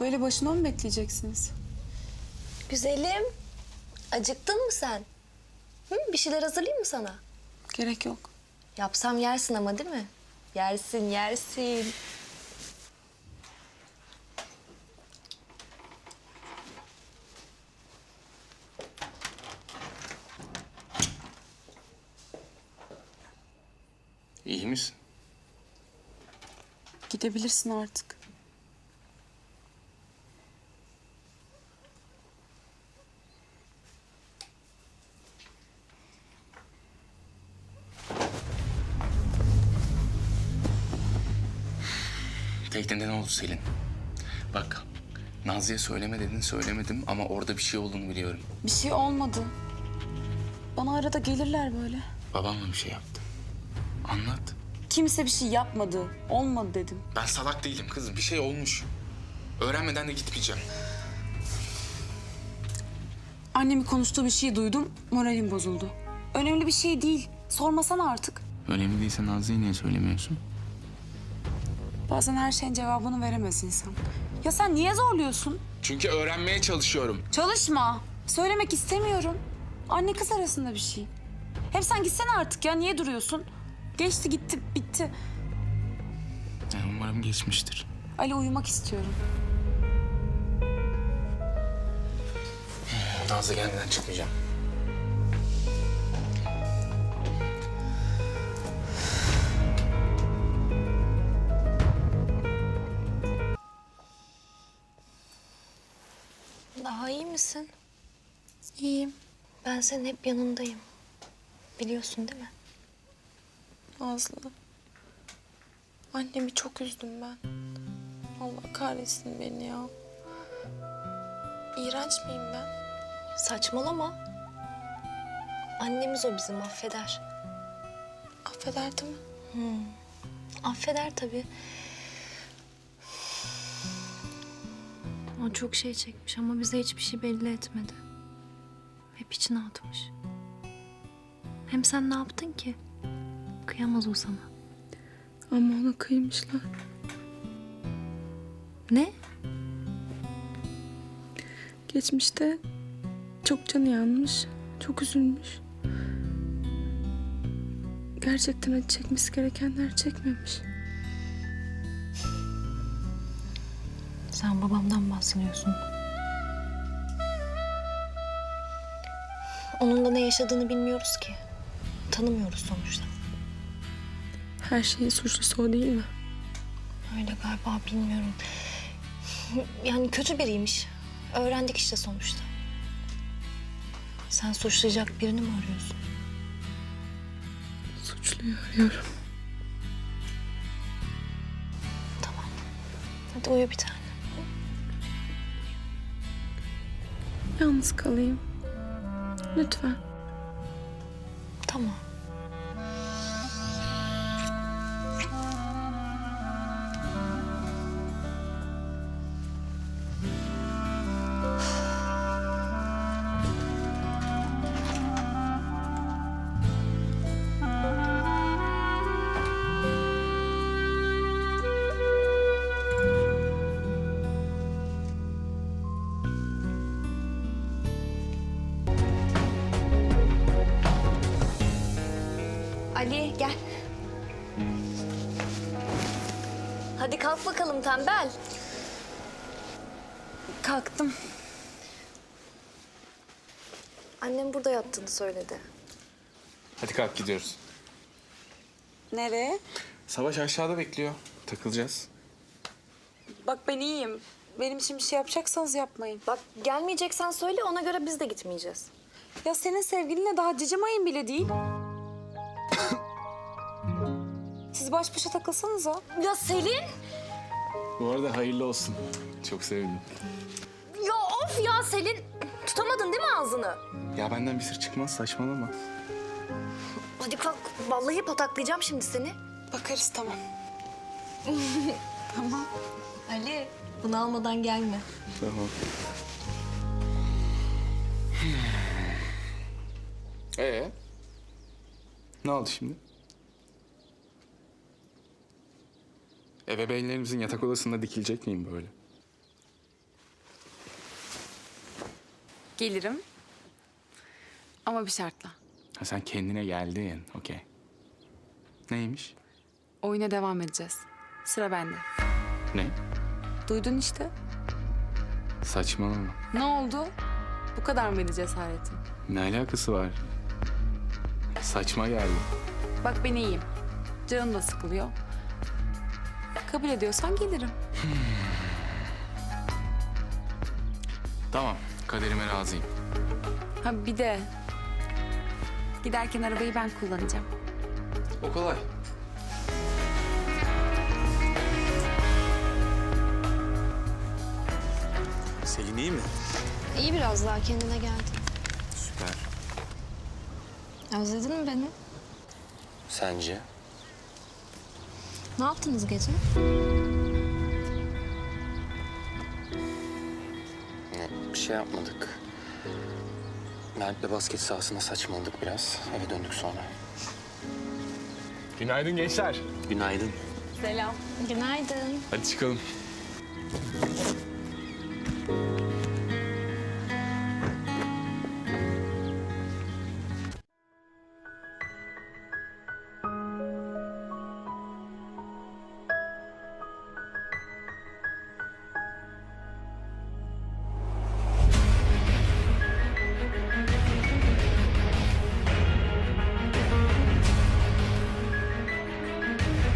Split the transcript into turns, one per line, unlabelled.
Böyle başına mı bekleyeceksiniz?
Güzelim. Acıktın mı sen? Hı? Bir şeyler hazırlayayım mı sana?
Gerek yok.
Yapsam yersin ama değil mi? Yersin, yersin.
İyi misin?
Gidebilirsin artık.
Teknede ne oldu Selin? Bak, Nazlı'ya söyleme dedin, söylemedim ama orada bir şey olduğunu biliyorum.
Bir şey olmadı. Bana arada gelirler böyle.
Babam mı bir şey yaptı? Anlat.
Kimse bir şey yapmadı. Olmadı dedim.
Ben salak değilim kızım, bir şey olmuş. Öğrenmeden de gitmeyeceğim.
Annemin konuştuğu bir şey duydum. Moralim bozuldu. Önemli bir şey değil. Sormasana artık.
Önemli değilse Nazlı'ya niye söylemiyorsun?
Bazen her şeyin cevabını veremez insan. Ya sen niye zorluyorsun?
Çünkü öğrenmeye çalışıyorum.
Çalışma. Söylemek istemiyorum. Anne kız arasında bir şey. Hem sen gitsene artık ya. Niye duruyorsun? Geçti gitti bitti.
Yani umarım geçmiştir.
Ali uyumak istiyorum.
Nazlı gelmeden çıkmayacağım.
Daha iyi misin?
İyiyim.
Ben senin hep yanındayım. Biliyorsun değil mi?
Nazlı. Annemi çok üzdüm ben. Allah kahretsin beni ya. İğrenç miyim ben?
Saçmalama. Annemiz o bizim, affeder.
Affederdi mi?
Affeder tabii. O çok şey çekmiş ama bize hiçbir şey belli etmedi. Hep içine atmış. Hem sen ne yaptın ki? Kıyamaz o sana.
Ama ona kıymışlar.
Ne?
Geçmişte çok canı yanmış, çok üzülmüş. Gerçekten acı çekmesi gerekenler çekmemiş.
Sen babamdan bahsediyorsun. Onun da ne yaşadığını bilmiyoruz ki. Tanımıyoruz sonuçta.
Her şeyin suçlusu o değil mi?
Öyle galiba, bilmiyorum. Yani kötü biriymiş. Öğrendik işte sonuçta. Sen suçlayacak birini mi arıyorsun?
Suçluyu arıyorum.
Tamam. Hadi uyu bir tane.
Yalnız kalayım. Lütfen.
Tamam. Ali gel. Hadi kalk bakalım tembel.
Kalktım.
Annem burada yattığını söyledi.
Hadi kalk gidiyoruz.
Nereye?
Savaş aşağıda bekliyor. Takılacağız.
Bak ben iyiyim. Benim için bir şey yapacaksanız yapmayın.
Bak gelmeyeceksen söyle, ona göre biz de gitmeyeceğiz.
Ya senin sevgilinle daha cicim ayın bile değil. Siz baş başa takılsanıza.
Ya Selin!
Bu arada hayırlı olsun. Çok sevindim.
Ya of ya Selin! Tutamadın değil mi ağzını?
Ya benden bir sır çıkmaz, saçmalama.
Hadi kalk. Vallahi pataklayacağım şimdi seni.
Bakarız tamam. Tamam.
Ali, bunu almadan gelme.
Tamam. Ne oldu şimdi? Ebeveynlerimizin yatak odasında dikilecek miyim böyle?
Gelirim. Ama bir şartla.
Ha, sen kendine geldin. Okey. Neymiş?
Oyuna devam edeceğiz. Sıra bende.
Ne?
Duydun işte.
Saçmalama.
Ne oldu? Bu kadar mıydı cesaretin?
Ne alakası var? Saçma geldi.
Bak ben iyiyim. Canım da sıkılıyor. Kabul ediyorsan gelirim.
Tamam, kaderime razıyım.
Ha bir de giderken arabayı ben kullanacağım.
O kolay.
Selin iyi mi?
İyi biraz daha kendine geldi.
Süper.
Özledin mi beni?
Sence?
Ne yaptınız gece?
Bir şey yapmadık. Mert'le basket sahasına saçmaladık biraz. Eve döndük sonra.
Günaydın gençler.
Günaydın.
Selam.
Günaydın.
Hadi çıkalım.